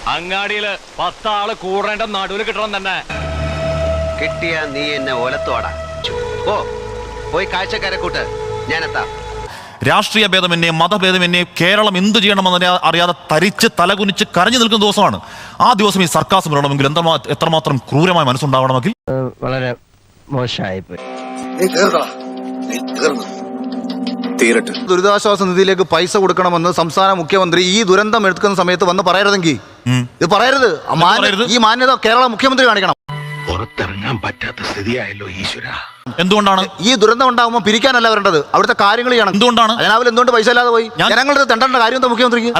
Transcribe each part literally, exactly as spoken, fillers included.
അങ്ങാടിയില് പത്താള് കൂടേണ്ട നടുവിൽ കിട്ടണം തന്നെ. കിട്ടിയ നീ എന്നെ ഒലത്തോടാ. ഓ പോയി കാഴ്ചക്കാരെ കൂട്ട്, ഞാനെത്താം. രാഷ്ട്രീയ ഭേദമെന്നെ മതഭേദമെന്നെ കേരളം എന്ത് ചെയ്യണമെന്ന് അറിയാതെ തരിച്ച് തലകുനിച്ച് കരഞ്ഞു നിൽക്കുന്ന ദിവസമാണ്. ആ ദിവസം ഈ സർക്കാസ് വരണമെങ്കിൽ എന്താ എത്രമാത്രം ക്രൂരമായ മനസ്സുണ്ടാവണമെങ്കിൽ വളരെ മോശമായി പോയി. ദുരിതാശ്വാസ നിധിയിലേക്ക് പൈസ കൊടുക്കണമെന്ന് സംസ്ഥാന മുഖ്യമന്ത്രി ഈ ദുരന്തം എടുക്കുന്ന സമയത്ത് വന്ന് പറയരുതെങ്കിൽ ഇത് പറയരുത്. ഈ മാന്യത കേരള മുഖ്യമന്ത്രി കാണിക്കണം. പുറത്തിറങ്ങാൻ പറ്റാത്ത സ്ഥിതിയായല്ലോ ഈശ്വര. എന്തുകൊണ്ടാണ് ഈ ദുരന്തം ഉണ്ടാകുമ്പോൾ പിരിക്കാനല്ല വരേണ്ടത്, അവിടുത്തെ കാര്യങ്ങൾ ചെയ്യണം. എന്തുകൊണ്ടാണ് അതിനാവിൽ എന്തുകൊണ്ട് പൈസ ഇല്ലാതെ പോയി? ജനങ്ങളുടെ തെണ്ടേണ്ട കാര്യം എന്താ മുഖ്യമന്ത്രിക്ക്?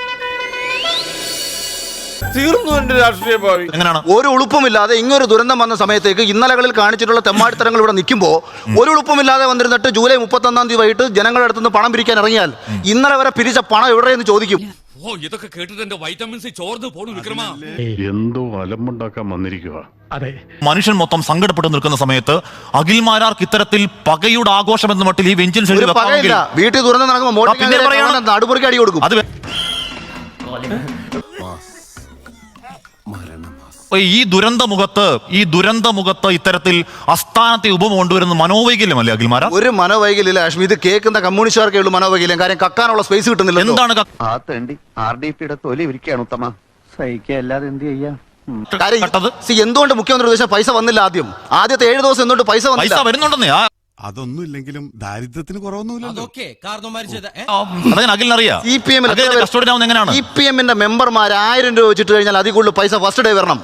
എങ്ങനെയാണ് ഒരു ഉളുപ്പുമില്ലാതെ ഇങ്ങൊരു ദുരന്തം വന്ന സമയത്തേക്ക് ഇന്നലകളിൽ കാണിച്ചിട്ടുള്ള തെമ്മാടിത്തരങ്ങൾ ഇവിടെ നിൽക്കുമ്പോൾ ഒരു ഉളുപ്പുമില്ലാതെ വന്നിരുന്നിട്ട് ജൂലൈ മുപ്പത്തൊന്നാം തീയതി വൈകിട്ട് ജനങ്ങളുടെ അടുത്ത് നിന്ന് പണം പിരിക്കാൻ ഇറങ്ങിയാൽ ഇന്നലെ വരെ പിരിച്ച പണം എവിടെയെന്ന് ചോദിക്കും. ഓ ഇതൊക്കെ കേട്ടിട്ട് എന്റെ വൈറ്റമിൻ സി ചോർന്ന് പോണു വിക്രമാ. എന്തോ അലമ്പുണ്ടാക്കാൻ വന്നിരിക്കുക. അതെ, മനുഷ്യൻ മൊത്തം സങ്കടപ്പെട്ട് നിൽക്കുന്ന സമയത്ത് അഖിൽമാരാർക്ക് ഇത്തരത്തിൽ പകയുടെ ആഘോഷം എന്ന മട്ടിൽ ഈ വെഞ്ചിൽ വീട്ടിൽ ദുരന്തം നടക്കുമ്പോൾ നടുപുറക്കി അടി കൊടുക്കും. അത് ഈ ദുരന്തമുഖത്ത് ഈ ദുരന്തമുഖത്ത് ഇത്തരത്തിൽ അസ്ഥാനത്തെ ഉപമ കൊണ്ടുവരുന്ന മനോവൈകല്യമല്ലേ അഖിൽമാര? ഒരു മനോവൈകല്യം അശ്മി, ഇത് കേൾക്കുന്ന കമ്മ്യൂണിസ്റ്റുകാർക്കേ ഉള്ളൂ മനോവൈകല്യം. കാര്യം കക്കാനുള്ള സ്പേസ് കിട്ടുന്നില്ല. എന്താണ് ആ തേണ്ടി ആർ ഡി പിയുടെ തൊലി ഇരിക്കുകയാണ് ഉത്തമ. സഹിക്കുക അല്ലാതെ എന്ത് ചെയ്യാ? എന്തുകൊണ്ട് മുഖ്യമന്ത്രി ഉദ്ദേശിച്ച പൈസ വന്നില്ല? ആദ്യം ആദ്യത്തെ ഏഴ് ദിവസം എന്തുകൊണ്ട് പൈസ പൈസ വരുന്നുണ്ടെന്നേ? അതൊന്നും ഇല്ലെങ്കിലും ദാരിദ്ര്യത്തിന് കുറവൊന്നുമില്ലല്ലോ. അഖിലിനറിയാം. സി പി എമ്മിന്റെ മെമ്പർമാർ ആയിരം രൂപ വെച്ചിട്ട് കഴിഞ്ഞാൽ അതിൽ കൂടുതൽ പൈസ ഫസ്റ്റ് ഡേ വരണം.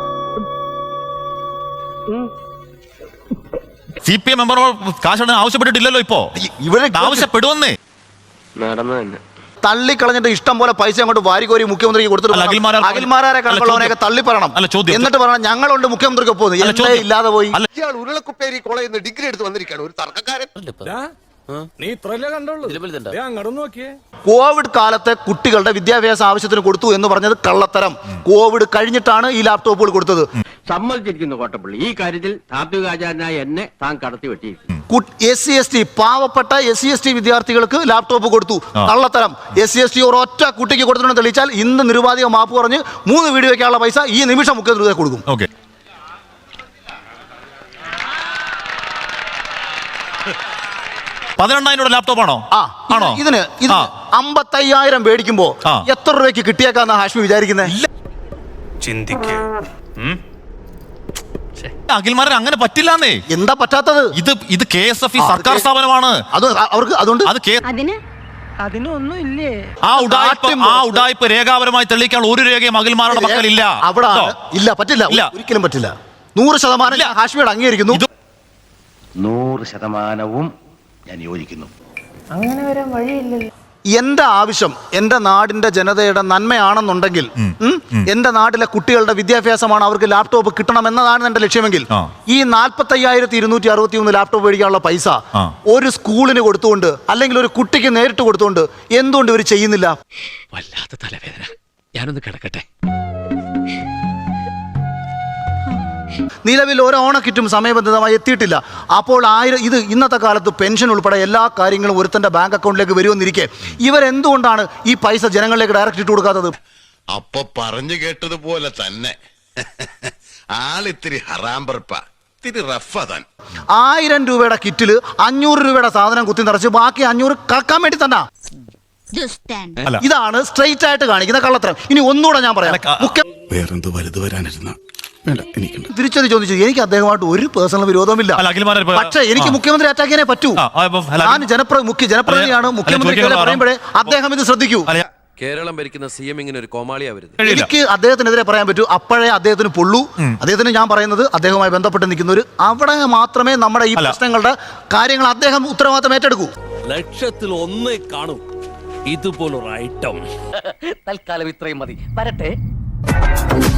സി പി എം മെമ്പർ കാശ് ആവശ്യപ്പെട്ടിട്ടില്ലല്ലോ. ഇപ്പോ ഇവിടെ ആവശ്യപ്പെടുവന്നേ നടന്നു തന്നെ തള്ളിക്കളഞ്ഞിട്ട് ഇഷ്ടം പോലെ പൈസ അങ്ങോട്ട് വാരിക്കോരി മുഖ്യമന്ത്രിക്ക് കൊടുത്തിട്ട് അഖിൽമാരെ കണക്കുള്ളവനൊക്കെ തള്ളി പറയണം. എന്നിട്ട് പറയണം ഞങ്ങളുണ്ട് മുഖ്യമന്ത്രിക്ക് ഒപ്പം. ഇല്ലാതെ പോയി ഉരുളക്കുപ്പേരി കോളേജിൽ നിന്ന് ഡിഗ്രി എടുത്ത് വന്നിരിക്കുകയാണ് ഒരു തർക്കക്കാരൻ. നീ ഇത്രല്ലേ കണ്ടുള്ളൂ, അങ്ങോട്ട് നോക്കിയേ. കോവിഡ് കാലത്തെ കുട്ടികളുടെ വിദ്യാഭ്യാസ ആവശ്യത്തിന് കൊടുത്തു എന്ന് പറഞ്ഞത് കള്ളത്തരം. കോവിഡ് കഴിഞ്ഞിട്ടാണ് ഈ ലാപ്ടോപ്പുകൾ കൊടുത്തത്. സമ്മതിച്ചിരിക്കുന്നു കോട്ടപ്പള്ളി. ഈ കാര്യത്തിൽ താത്വികാചാരനായ എന്നെ താൻ കടത്തി വെട്ടി. എസ് സി എസ് ടി പാവപ്പെട്ട എസ് സി എസ് ടി വിദ്യാർത്ഥികൾക്ക് ലാപ്ടോപ്പ് കൊടുത്തു, കള്ളത്തരം. എസ് സി എസ് ടി ഒരൊറ്റ കുട്ടിക്ക് കൊടുത്തിട്ടുണ്ടെന്ന് തെളിയിച്ചാൽ ഇന്ന് നിരുപാധിക മാപ്പ് പറഞ്ഞ് മൂന്ന് വീഡിയോ വയ്ക്കാനുള്ള പൈസ ഈ നിമിഷം മുഖ്യമന്ത്രി കൊടുക്കും. ഓക്കെ, പതിനെണ്ണായിരം രൂപ ലാപ്ടോപ്പ് ആണോ? ആണോ? ഇതിന് ഇത് അമ്പത്തയ്യായിരം മേടിക്കുമ്പോ എത്ര രൂപയ്ക്ക് കിട്ടിയേക്കാന്ന് ഹാഷ്മി വിചാരിക്കുന്നത്? അഖിൽമാരൻ അങ്ങനെ പറ്റില്ലാന്നേ. എന്താ പറ്റാത്തത്? ഇത് ഇത് കെ എസ് എഫ് ഇ സർക്കാർ സ്ഥാപനമാണ്. അത് അവർക്ക് അതുകൊണ്ട് അത് അതിനൊന്നും ഇല്ലേ? ആ ഉഡായിപ്പ് ആ ഉഡായിപ്പ് രേഖാപരമായി തെളിയിക്കാൻ ഒരു രേഖയും അഖിൽമാരുടെ പക്കലില്ല. അവിടെ ഇല്ല, പറ്റില്ല, ഒരിക്കലും പറ്റില്ല. നൂറ് ശതമാനം ഹാഷ്മിയോട് അംഗീകരിക്കുന്നു. നൂറ് ശതമാനവും ഞാൻ യോജിക്കുന്നു. അങ്ങനെ വരാൻ വഴിയില്ലല്ലോ. എന്റെ ആവശ്യം എന്റെ നാടിന്റെ ജനതയുടെ നന്മയാണെന്നുണ്ടെങ്കിൽ, എന്റെ നാട്ടിലെ കുട്ടികളുടെ വിദ്യാഭ്യാസമാണ്, അവർക്ക് ലാപ്ടോപ്പ് കിട്ടണം എന്നതാണ് എന്റെ ലക്ഷ്യമെങ്കിൽ ഈ നാൽപ്പത്തി അയ്യായിരത്തി ഇരുന്നൂറ്റി അറുപത്തി മൂന്ന് ലാപ്ടോപ്പ് മേടിക്കാനുള്ള പൈസ ഒരു സ്കൂളിന് കൊടുത്തുകൊണ്ട് അല്ലെങ്കിൽ ഒരു കുട്ടിക്ക് നേരിട്ട് കൊടുത്തുകൊണ്ട് എന്തുകൊണ്ട് ഇവർ ചെയ്യുന്നില്ല? വല്ലാത്ത തലവേദന, ഞാനൊന്ന് കിടക്കട്ടെ. നിലവിൽ ഒരു ഓണക്കിറ്റും സമയബന്ധിതമായി എത്തിയിട്ടില്ല. അപ്പോൾ ആയിരം ഇത് ഇന്നത്തെ കാലത്ത് പെൻഷൻ ഉൾപ്പെടെ എല്ലാ കാര്യങ്ങളും ഒരുത്തന്റെ ബാങ്ക് അക്കൗണ്ടിലേക്ക് വരുമെന്നിരിക്കെ ഇവരെന്തുകൊണ്ടാണ് ഈ പൈസ ജനങ്ങളിലേക്ക് ഡയറക്റ്റ് ഇട്ട് കൊടുക്കാത്തത്? അപ്പൊ പറഞ്ഞു കേട്ടതുപോലെ തന്നെ ആളിത്തിരി ഹറാമ്പർപ്പ ഇത്തിരി റഫാൻ. ആയിരം രൂപയുടെ കിറ്റില് അഞ്ഞൂറ് രൂപയുടെ സാധനം കുത്തി നിറച്ച് ബാക്കി അഞ്ഞൂറ് കക്കാൻ വേണ്ടി തന്നെ. ഇതാണ് സ്ട്രെയിറ്റ് ആയിട്ട് കാണിക്കുന്ന കള്ളത്തരം. ഇനി ഒന്നുകൂടെ ഞാൻ പറയാം. വേറെന്തോ വലുത് വരാനിരുന്ന തിരിച്ചത് ചോദിച്ചു. എനിക്ക് അദ്ദേഹമായിട്ട് ഒരു പേഴ്സണൽ വിരോധമില്ല. പക്ഷേ എനിക്ക് മുഖ്യമന്ത്രി അറ്റാക്ക് ചെയ്യാനേ പറ്റൂ. ഞാൻ ജനപ്രതി മുഖ്യ ജനപ്രതിനിധിയാണ്. മുഖ്യമന്ത്രി പറയുമ്പോഴേ അദ്ദേഹം ഇത് ശ്രദ്ധിക്കൂ. കേരളം ഭരിക്കുന്ന സി എം ഇങ്ങനെ ഒരു കോമാളിയാ വരുന്നത്. എനിക്ക് അദ്ദേഹത്തിനെതിരെ പറയാൻ പറ്റൂ. അപ്പോഴേ അദ്ദേഹത്തിന് പൊള്ളൂ. അദ്ദേഹത്തിന് ഞാൻ പറയുന്നത് അദ്ദേഹവുമായി ബന്ധപ്പെട്ട് നിൽക്കുന്നവർ അവിടെ മാത്രമേ നമ്മുടെ ഈ പ്രശ്നങ്ങളുടെ കാര്യങ്ങൾ അദ്ദേഹം ഉത്തരവാദിത്തം ഏറ്റെടുക്കൂ. ലക്ഷത്തിൽ ഒന്നേ കാണൂ ഇതുപോലൊരു ഐറ്റം. തൽക്കാലം ഇത്രയും മതി. വരട്ടെ.